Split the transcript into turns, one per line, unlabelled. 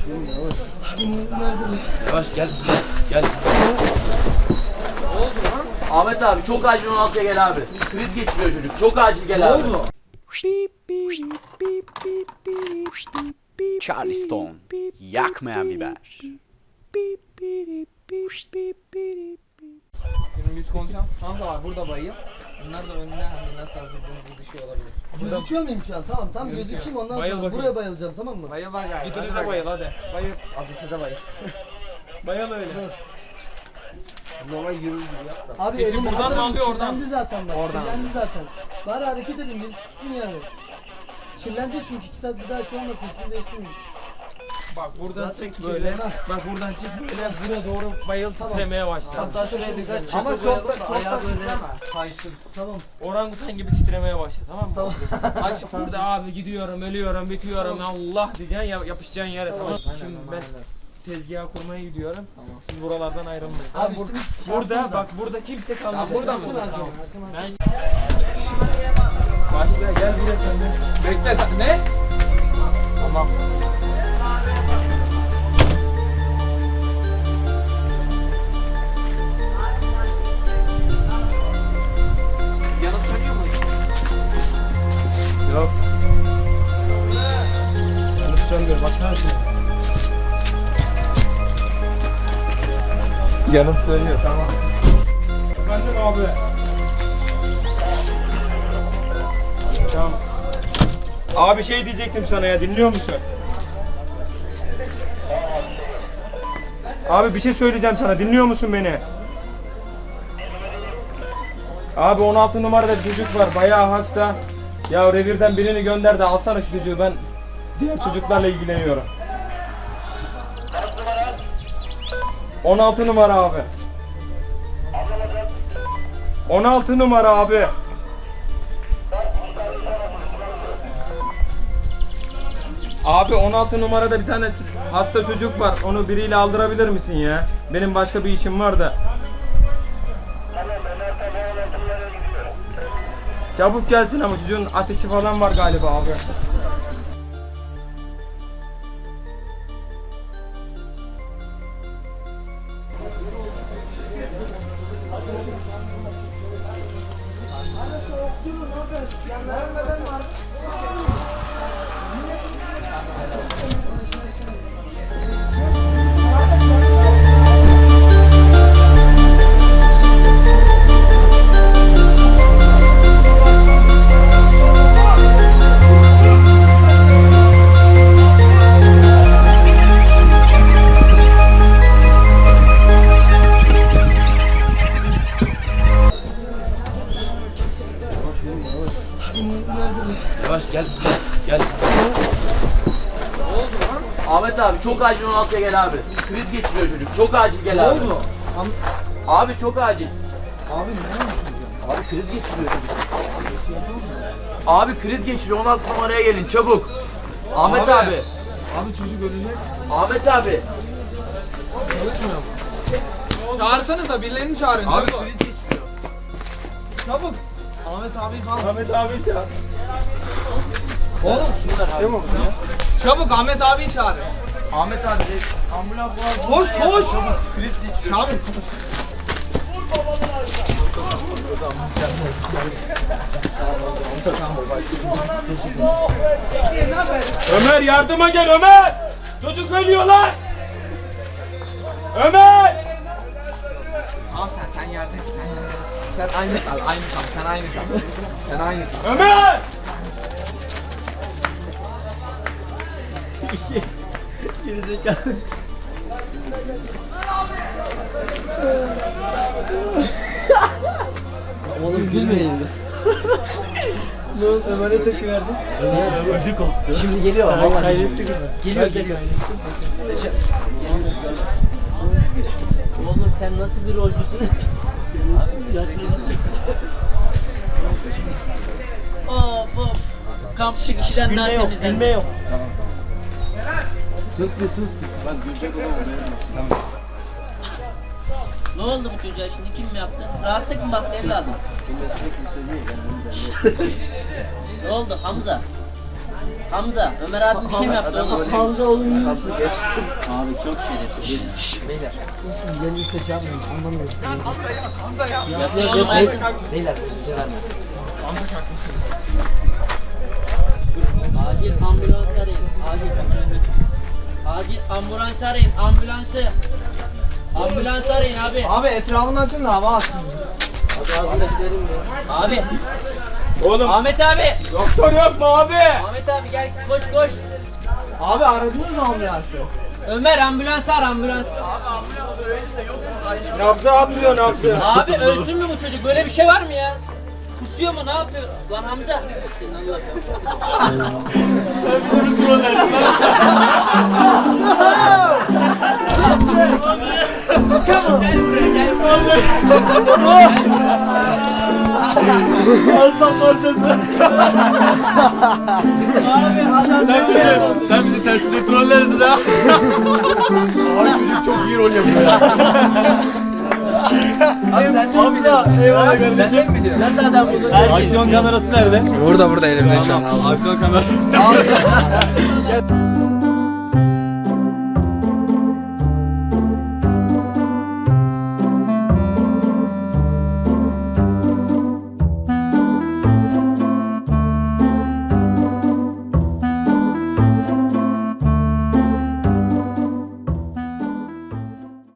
Yavaş gel. Gel. Ahmet abi çok acil 16'ya gel abi. Kriz geçiriyor çocuk. Çok acil gel abi.
Charleston, yakmayan biber.
Şimdi biz konuşalım. Hamza var burada bayım. Bunlar da önüne hani nasıl hazırladığımızı düşüyor olabilir.
Gözüküyor muyum şu an? Tamam tam gözükeyim ondan
Bayıl
sonra
bakayım.
buraya bayılacağım tamam mı?
Bayıl var galiba.
Git ötede bayıl hadi. Bayıl.
Azıcık bayıl.
Bayıl öyle.
Normal yürür gibi yap da.
Abi
Sesi
elim
buradan
adam
mı alıyor, oradan
kirlendi zaten bak.
Oradan
Kirlendi zaten. Bari hareket edin birisi tutsun yani. Kirlenecek çünkü 2 saat bir daha şey olmasın üstünü değiştirmeyin.
Bak buradan
Zaten
çık böyle.
kirli.
Bak buradan çık böyle buraya doğru bayıl titremeye başla.
Hatta şuraya birkaç çakıl
Ama çok
koyalım
da
ayağı böyle
titreme.
kaysın. Tamam.
Orangutan gibi titremeye başla tamam mı? Tamam. Aç burada abi gidiyorum, ölüyorum, bitiyorum. Allah diyeceksin yapışacaksın yere tamam. Şimdi ben tezgah kurmaya gidiyorum. Siz buralardan ayrılmayın.
Abi
Tamam,
üstümü
burada bak burada kimse kalmaz.
burada mısın?
Tamam. Ben... Başla gel buraya sen de.
Bekle sen. Ne?
Tamam.
Yanıp sönüyor mu?
Yok.
Yanıp söndür baksana şimdi.
Yanıp sönüyor tamam.
Efendim abi. Tamam. Abi şey diyecektim sana ya dinliyor musun? Abi bir şey söyleyeceğim sana dinliyor musun beni? Abi 16 numarada bir çocuk var bayağı hasta. Ya revirden birini gönder de alsana şu çocuğu ben diğer çocuklarla ilgileniyorum. 16 numara abi. 16 numara abi. Abi 16 numarada bir tane hasta çocuk var. Onu biriyle aldırabilir misin ya? Benim başka bir işim var da. Çabuk gelsin ama çocuğun ateşi falan var galiba abi.
Yavaş gel. Gel. Ahmet abi çok acil 16'ya gel abi. Kriz geçiriyor çocuk. Çok acil gel abi.
oldu?
Abi çok acil.
Abi ne yapıyorsun?
Abi kriz geçiriyor çocuk. Abi kriz geçiriyor 16 numaraya gelin çabuk. Ahmet
Abi.
abi.
Abi çocuk ölecek.
Ahmet abi.
Çalışmıyor mu?
Çağırsanıza birilerini çağırın.
Abi
çabuk.
kriz geçiriyor.
Çabuk. Ahmet abi falan.
Ahmet abi çağır.
Oğlum şunlar abi.
Çabuk Ahmet abiyi çağırın.
Ahmet abi de ambulans var.
Koş koş.
Kriz geçiriyor.
Çağırın.
Ömer yardıma gel Ömer. Çocuk ölüyor lan. Ömer.
Tamam sen yerde. Sen aynı kal, aynı kal. Sen aynı kal. Sen aynı kal.
Ömer.
Oğlum gülmeyin. Ne oldu? Ömer'e tepki verdin.
Ödü koptu. Şimdi geliyor vallahi. Geliyor.
Oğlum sen nasıl bir rolcüsün? Of of. Kamp çıkışından
Gülme yok.
temizlen.
Gülme yok.
Sus bir sus bir.
Ben gülecek olan olmayayım.
Ne oldu bu çocuğa şimdi kim mi yaptı? Rahatlık mı baktı evladım?
Bu meslek liseli.
Ne oldu Hamza? Hamza, Ömer abi bir şey mi yaptı?
Hamza oğlum iyi misin?
Abi çok şerefsiz.
Yeni işte şey yapmayın. Anlamıyorum.
Hamza ya.
Yapıyor.
Beyler bize vermez.
Hamza kalkmasın.
Acil ambulans arayın. Acil ambulans arayın. Ambulansı. Ambulans arayın abi.
Abi etrafını açın da hava alsın.
Abi.
Oğlum
Ahmet abi.
doktor yok mu abi?
Ahmet abi gel koş koş.
Abi aradınız mı ambulansı?
Ömer ambulans ar ambulans.
Nabzı atmıyor nabzı.
Abi ölsün mü bu çocuk? Böyle bir şey var mı ya? Kusuyor mu? Ne yapıyor? Lan Hamza.
Sen bizi tersine trolleriz ha.
Abi çocuk çok iyi rol yapıyor ya. Abi sen de mi biliyorsun?
Eyvallah kardeşim.
Sen de mi biliyorsun?
Nasıl adam buldun?
Aksiyon kamerası nerede?
Burada elimde şu an.
Aksiyon kamerası.